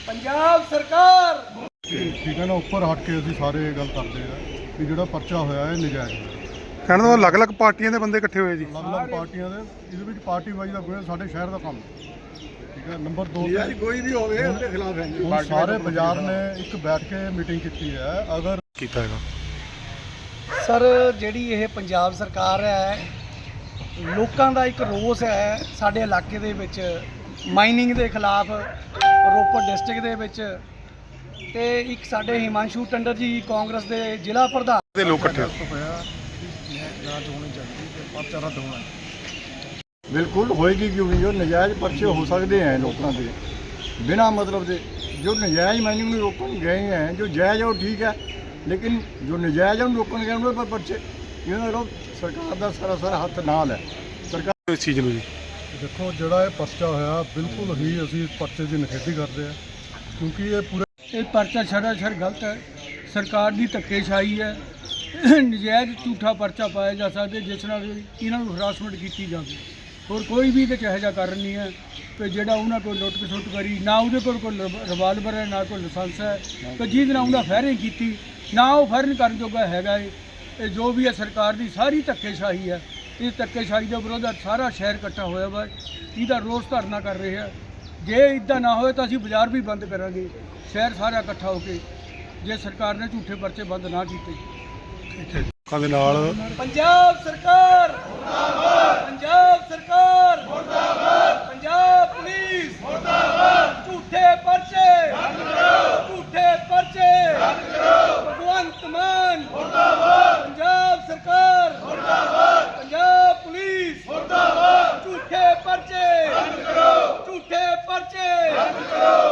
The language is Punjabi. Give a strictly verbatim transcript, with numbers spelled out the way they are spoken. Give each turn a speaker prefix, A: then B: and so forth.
A: ਪੰਜਾਬ ਸਰਕਾਰ
B: ਠੀਕ ਹੈ ਨਾ। ਉੱਪਰ ਹਟ ਕੇ ਅਸੀਂ ਸਾਰੇ ਇਹ ਗੱਲ ਕਰਦੇ ਆ ਕਿ ਜਿਹੜਾ ਪਰਚਾ ਹੋਇਆ ਹੈ ਨਜਾਇਜ਼ ਹੋਇਆ।
C: ਕਹਿਣ ਦਾ ਅਲੱਗ-ਅਲੱਗ ਪਾਰਟੀਆਂ ਦੇ ਬੰਦੇ ਇਕੱਠੇ ਹੋਏ ਜੀ।
B: ਅਲੱਗ-ਅਲੱਗ ਪਾਰਟੀਆਂ ਦੇ ਇਹਦੇ ਵਿੱਚ ਪਾਰਟੀ ਵਾਈਜ਼ ਦਾ ਕੋਈ ਸਾਡੇ ਸ਼ਹਿਰ ਦਾ ਕੰਮ ਹੈ। ਠੀਕ ਹੈ। ਨੰਬਰ ਦੋ ਤੇ
A: ਕੋਈ ਵੀ ਹੋਵੇ ਉਹਦੇ ਖਿਲਾਫ ਹੈ
B: ਹੁਣ ਸਾਰੇ ਬਾਜ਼ਾਰ ਨੇ ਇੱਕ ਬੈਠ ਕੇ ਮੀਟਿੰਗ ਕੀਤੀ ਹੈ। ਅਗਰ
C: ਕੀਤਾ ਹੈਗਾ
A: ਸਰ ਜਿਹੜੀ ਇਹ ਪੰਜਾਬ ਸਰਕਾਰ ਹੈ, ਲੋਕਾਂ ਦਾ ਇੱਕ ਰੋਸ ਹੈ ਸਾਡੇ ਇਲਾਕੇ ਦੇ ਵਿੱਚ ਮਾਈਨਿੰਗ ਦੇ ਖਿਲਾਫ ਰੋਪੜ ਡਿਸਟ੍ਰਿਕਟ ਦੇ ਵਿੱਚ, ਤੇ ਇੱਕ ਸਾਡੇ ਹਿਮਾਂਸ਼ੂ ਟੰਡਰ ਜੀ ਕਾਂਗਰਸ ਦੇ ਜ਼ਿਲ੍ਹਾ ਪ੍ਰਧਾਨ
C: ਦੇ ਲੋਕ ਇਕੱਠੇ
B: ਹੋਇਆ ਜਾਂਚ ਹੋਣੀ ਚਾਹੀਦੀ ਤੇ ਪਰਚਾ ਰੱਦ ਹੋਣਾ।
D: बिल्कुल होएगी क्यों नहीं। जो नजायज़ पर्चे हो सकते हैं लोगों के बिना मतलब से, जो नजायज़ माइनिंग में रोकन गए हैं, जो जायज़ है वो ठीक है, लेकिन जो नजायज़ है उन रोकन गए उन पर पर्चे ये लोग सरकार का सरासर हथ नाल है। सरकार
C: ਇਸ ਚੀਜ਼ ਨੂੰ ਜੀ
B: ਦੇਖੋ ਜਿਹੜਾ ਇਹ ਪਰਚਾ ਹੋਇਆ ਬਿਲਕੁਲ ਹੀ ਅਸੀਂ ਇਸ ਪਰਚੇ ਦੀ ਨਿਖੇਧੀ ਕਰਦੇ ਆ, ਕਿਉਂਕਿ ਇਹ ਪੂਰੇ
A: ਇਹ ਪਰਚਾ ਸਰਾਸਰ ਗਲਤ ਹੈ। ਸਰਕਾਰ ਦੀ ਧੱਕੇਸ਼ਾਹੀ ਹੈ। ਨਜਾਇਜ਼ ਝੂਠਾ ਪਰਚਾ ਪਾਇਆ ਜਾ ਸਕਦਾ ਜਿਸ ਨਾਲ ਇਹਨਾਂ ਨੂੰ ਹਰਾਸਮੈਂਟ ਕੀਤੀ ਜਾਵੇ। ਹੋਰ ਕੋਈ ਵੀ ਇਹਦੇ 'ਚ ਇਹੋ ਜਿਹਾ ਕਾਰਨ ਨਹੀਂ ਹੈ ਕਿ ਜਿਹੜਾ ਉਹਨਾਂ ਕੋਲ ਲੁੱਟ ਖਸੁੱਟ ਕਰੀ, ਨਾ ਉਹਦੇ ਕੋਲ ਕੋਈ ਰਿਵਾਲਵਰ ਹੈ, ਨਾ ਕੋਈ ਲਾਇਸੈਂਸ ਹੈ, ਕਿ ਜਿਹਦੇ ਨਾਲ ਉਹਨਾਂ ਫਾਇਰਿੰਗ ਕੀਤੀ, ਨਾ ਉਹ ਫਾਇਰਿੰਗ ਕਰਨ ਜੋਗਾ ਹੈਗਾ ਹੈ। ਇਹ ਜੋ ਵੀ ਹੈ ਸਰਕਾਰ ਦੀ ਸਾਰੀ ਧੱਕੇਸ਼ਾਹੀ ਹੈ। ਇਸ ਧੱਕੇਸ਼ਾਹੀ ਦੇ ਵਿਰੋਧ ਸਾਰਾ ਸ਼ਹਿਰ ਇਕੱਠਾ ਹੋਇਆ ਵਾ, ਇਹਦਾ ਰੋਸ ਧਰਨਾ ਕਰ ਰਹੇ ਆ। ਜੇ ਇੱਦਾਂ ਨਾ ਹੋਏ ਤਾਂ ਅਸੀਂ ਬਾਜ਼ਾਰ ਵੀ ਬੰਦ ਕਰਾਂਗੇ, ਸ਼ਹਿਰ ਸਾਰਾ ਇਕੱਠਾ ਹੋ ਕੇ, ਜੇ ਸਰਕਾਰ ਨੇ ਝੂਠੇ ਪਰਚੇ ਬੰਦ ਨਾ ਕੀਤੇ।
C: ਲੋਕਾਂ ਦੇ ਨਾਲ
A: ਪੰਜਾਬ ਸਰਕਾਰ ਮੁਰਦਾਬਾਦ, ਪੰਜਾਬ ਸਰਕਾਰ ਮੁਰਦਾਬਾਦ, ਪੰਜਾਬ ਪੁਲਿਸ ਮੁਰਦਾਬਾਦ। ਝੂਠੇ ਪਰਚੇ ਬੰਦ ਕਰੋ, ਝੂਠੇ ਪਰਚੇ ਬੰਦ ਕਰੋ। ਭਗਵੰਤ ਮਾਨ ਮੁਰਦਾਬਾਦ, ਪੰਜਾਬ ਸਰਕਾਰ ਮੁਰਦਾਬਾਦ, ਪੰਜਾਬ ਪੁਲਿਸ ਮੁਰਦਾਬਾਦ। ਝੂਠੇ ਪਰਚੇ ਬੰਦ ਕਰੋ, ਝੂਠੇ ਪਰਚੇ ਬੰਦ ਕਰੋ।